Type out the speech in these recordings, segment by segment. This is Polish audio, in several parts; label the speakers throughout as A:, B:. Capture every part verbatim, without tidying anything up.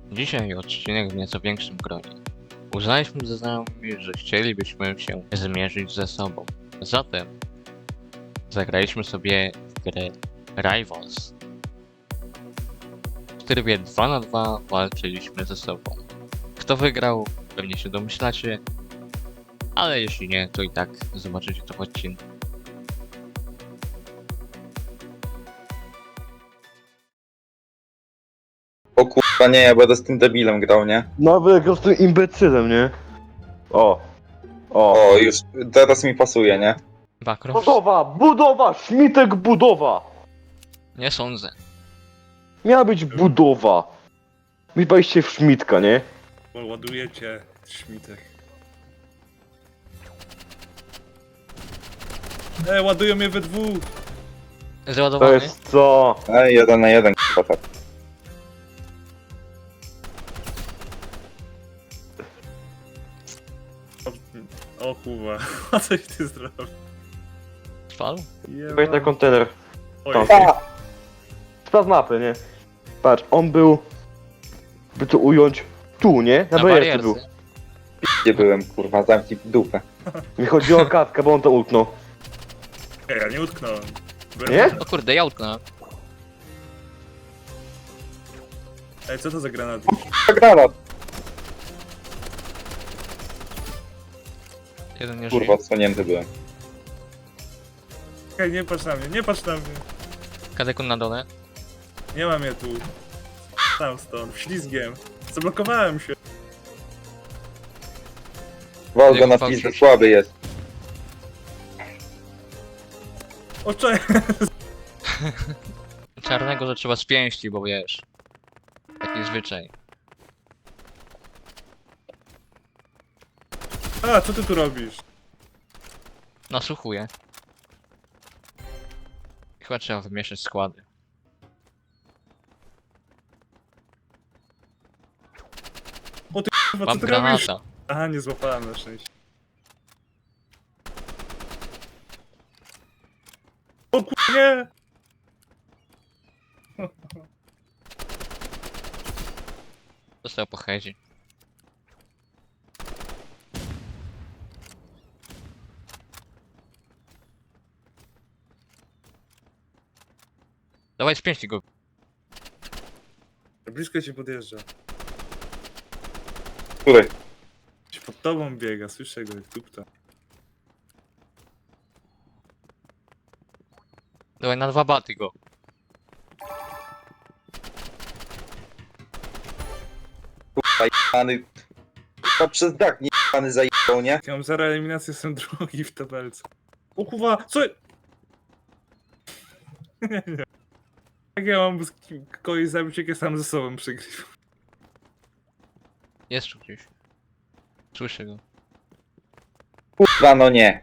A: Dzisiaj odcinek w nieco większym gronie. Uznaliśmy ze znajomymi, że chcielibyśmy się zmierzyć ze sobą. Zatem zagraliśmy sobie w grę Rivals. W trybie dwa na dwa walczyliśmy ze sobą. Kto wygrał, pewnie się domyślacie, ale jeśli nie, to i tak zobaczycie to w odcinku.
B: O kurwa nie, ja będę z tym debilem grał, nie?
C: No wygrał z tym imbecylem, nie? O. O.
B: O, już teraz mi pasuje, nie?
A: Bakrow?
C: Budowa! Budowa! Śmitek budowa!
A: Nie sądzę.
C: Miała być budowa. Wypaliście w Szmitka, nie?
D: Bo ładujecie śmitek. E, ładują mnie we dwóch!
C: To
A: Załadowany?
C: jest co?
B: Ej, jeden na jeden, kurwa tak.
D: O, o kurwa, a coś ty zrobił?
A: Trwał?
C: Wejdź na kontener.
D: Oj,
C: tam. Sprawdź mapy, nie? Patrz, on był... By to ująć... Tu, nie? Na
A: Na
C: barierce był.
A: barierce.
B: Gdzie byłem, kurwa, zamknij dupę.
C: Nie chodzi o katkę, bo on to utknął.
D: Ej, ja nie utknąłem. Byłem-
C: Nie?
A: O kurde, ja utknąłem.
D: Ej, co to za granat?
B: Granat,
A: Jeden nie
B: kurwa,
A: żyje.
B: odsłonięty byłem.
D: Ej, nie patrz na mnie, nie patrz na mnie.
A: Kadekun na dole.
D: Nie mam je tu. Tam stąd, ślizgiem. Zablokowałem się.
B: Wal go
A: Jak
B: na
A: fałszyw.
B: pizdę, słaby jest.
D: O, cze...
A: Czarnego, że trzeba z pięści, bo wiesz. Taki zwyczaj.
D: A, co ty tu robisz?
A: Nasłuchuję. Chyba trzeba wymieszać składy.
D: Kurwa,
A: Mam
D: co ty robisz?
A: granata.
D: Aha, nie złapałem na szczęście. O kurwa, nie!
A: Dostał po headzie. Dawaj z pięści go.
D: Blisko ci podjeżdża.
B: Który?
D: Gdzieś pod tobą biega, słyszę go jak tupta.
A: Dawaj na dwa baty go.
B: Kurwa, jebany. Kurwa, przez dach nie jebany zajebał, nie?
D: Ja mam zero eliminację, jestem drugi w tabelce. O kurwa, co? Nie, nie. Jak ja mam z kim- kogoś zabić, jak ja sam ze sobą przegrywam?
A: Jest tu gdzieś. Słyszę go.
B: Kurwa, no nie.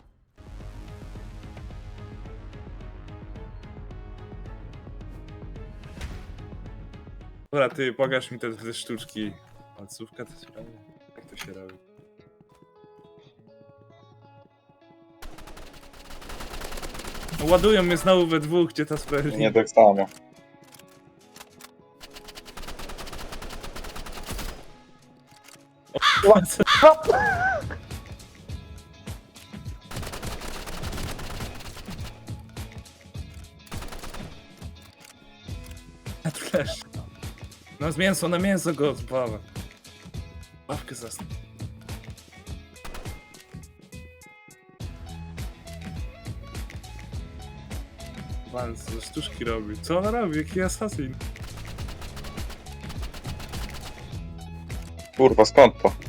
D: Dobra, ty pokaż mi te, te sztuczki. Palcówka to się robi? Jak to się robi? No, ładują mnie znowu we dwóch, gdzie ta sprawiedliwość?
B: Nie tak samo.
D: A tu leż. No z mięso, na mięso go odpala. Ławkę zasnę. Pan co za sztuczki robi? Co ona robi? Jaki asasin?
B: Kurwa, skąd to?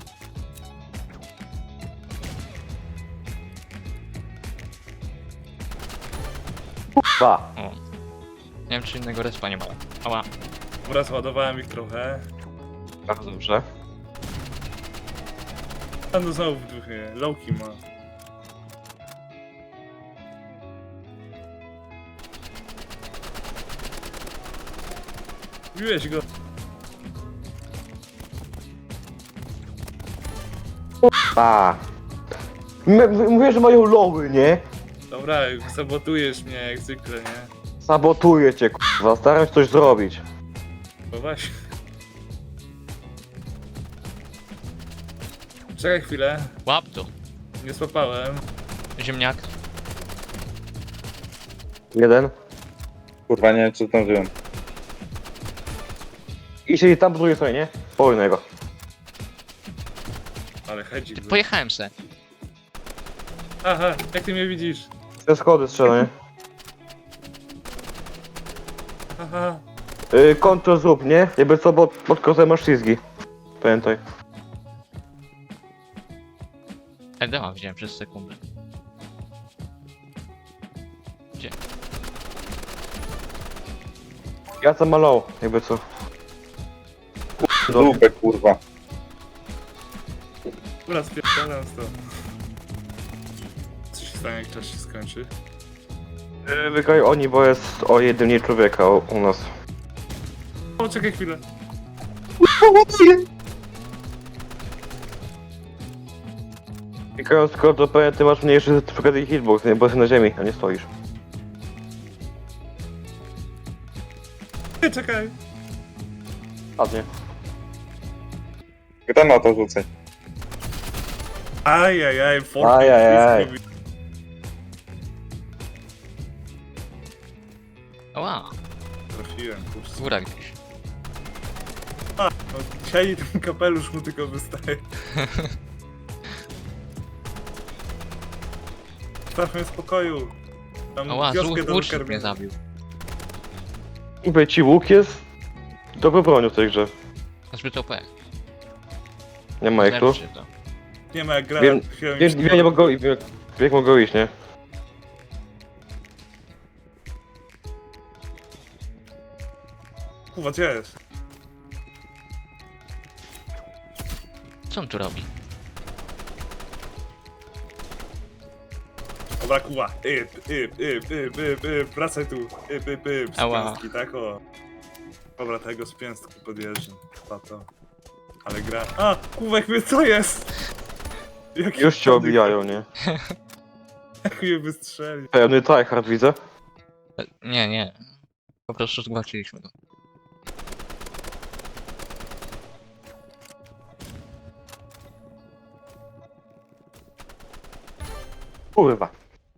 C: Dwa.
A: O. Nie wiem czy innego respa nie ma. Ała.
D: Dobra, zładowałem ich trochę.
C: Bardzo dobrze.
D: A no znowu w dwóch nie. Lowki ma. Biłeś go.
C: A. M- Mówię, że mają loły, nie?
D: Dobra, sabotujesz mnie jak zwykle, nie?
C: Sabotuję cię, kurwa. Staram się coś zrobić.
D: Bo właśnie. Czekaj chwilę.
A: Łap to.
D: Nie złapałem.
A: Ziemniak.
C: Jeden.
B: Kurwa, nie wiem, czy zdążyłem.
C: I siedzi tam po drugiej stronie, nie? Po innego.
D: Ale hedzik był.
A: Pojechałem se.
D: Aha, jak ty mnie widzisz?
C: Te schody strzela, nie?
D: Aha.
C: Yy, kontrol zrób, nie? Jakby co, bo pod kozem masz ślizgi. Pamiętaj.
A: Edema wziąłem przez sekundę. Gdzie?
C: Ja tam malał, jakby co.
B: Dupę, kurwa.
D: Dobra, spierdalam to. Co się stanie, jak czas się skończy?
C: Yy, wygraj oni, bo jest o jednym mniej człowieka u, u nas.
D: O, czekaj chwilę.
C: Wygrając skoro to pewnie ty masz mniejszy certyfikat i hitbox, nie? Bo jesteś na ziemi, a nie stoisz.
D: Nie, czekaj.
C: Ładnie.
B: Granata rzucaj.
D: Ajajaj, Ford.
C: Ajajaj.
A: Ała,
D: Trafiłem, kurczę.
A: góra gdzieś.
D: No, dzisiaj ten kapelusz mu tylko wystaje. Stawmy w spokoju. Tam
A: Ała,
D: wioskę
A: złóż
D: do
A: łucznik mnie
D: wykarmienia.
A: zabił.
C: Mówię ci, łuk jest dobrą bronią w tej grze.
A: Zbyt O P.
C: Nie ma jak tu.
A: Lepszy to.
D: Nie ma jak grać.
C: Wiem, wiem, wiem, nie mogą, wiem, jak mogą iść, nie?
D: Kurwa, gdzie jest?
A: Co on tu robi?
D: Dobra, kuwa. Yp, yp, yp, yp, yp, yp. Wracaj tu. Yp, yp, yp. Z
A: Ała.
D: pięstki, tak o. Dobra, tego z pięstki podjeżdżam. Chyba to. Ale gra... A! Kuwek mnie, co jest? Jaki
C: Już cię obijają, nie?
D: Jak mnie wystrzeli.
C: Pełny tryhard widzę.
A: E, Nie, nie. Po prostu zgwałciliśmy go.
C: Kurwa.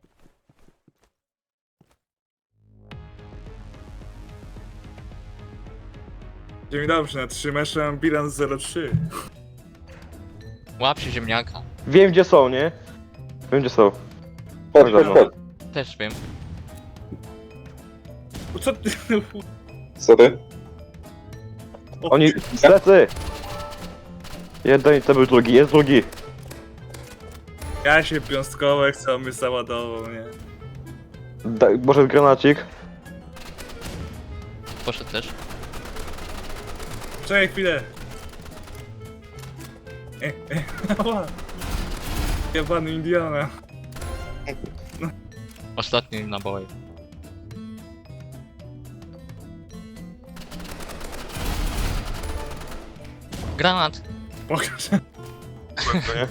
D: Dzień dobry, na trzy mecze mam bilans zero trzy.
A: Łap się ziemniaka.
C: Wiem gdzie są, nie? Wiem gdzie są.
B: Chodź, chodź, chodź.
A: Też wiem.
D: Co ty...
B: Sorry.
D: O,
C: Oni... Plecy! Jeden to był drugi, jest drugi.
D: Ja się piąstkowe chcą mnie załadował, nie?
C: Da, może granacik?
A: Poszedł też.
D: Czekaj chwilę. E, e, ała. Jebany Indiana.
A: Ostatni naboje. Granat!
D: Pokaż.
C: Nie?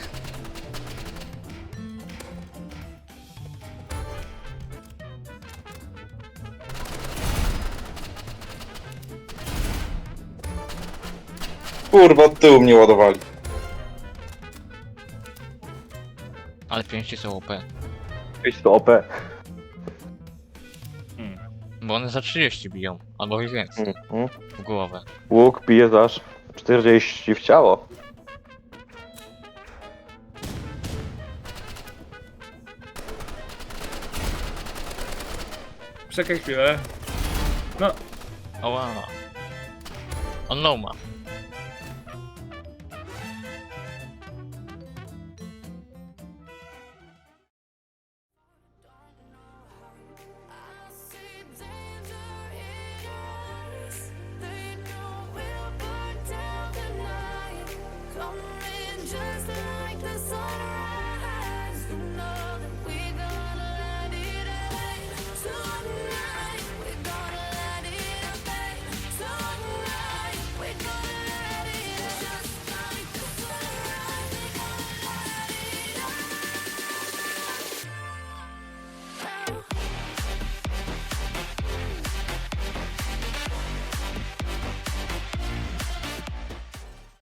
B: Kurwa, od tyłu mnie ładowali.
A: Ale pięści są O P.
C: Idź to O P.
D: Hmm.
A: Bo one za trzydzieści biją. Albo i więcej.
C: Mhm.
A: W głowę.
C: Łuk pije aż czterdzieści w ciało.
D: Czekaj chwilę. No,
A: Oła. On low ma.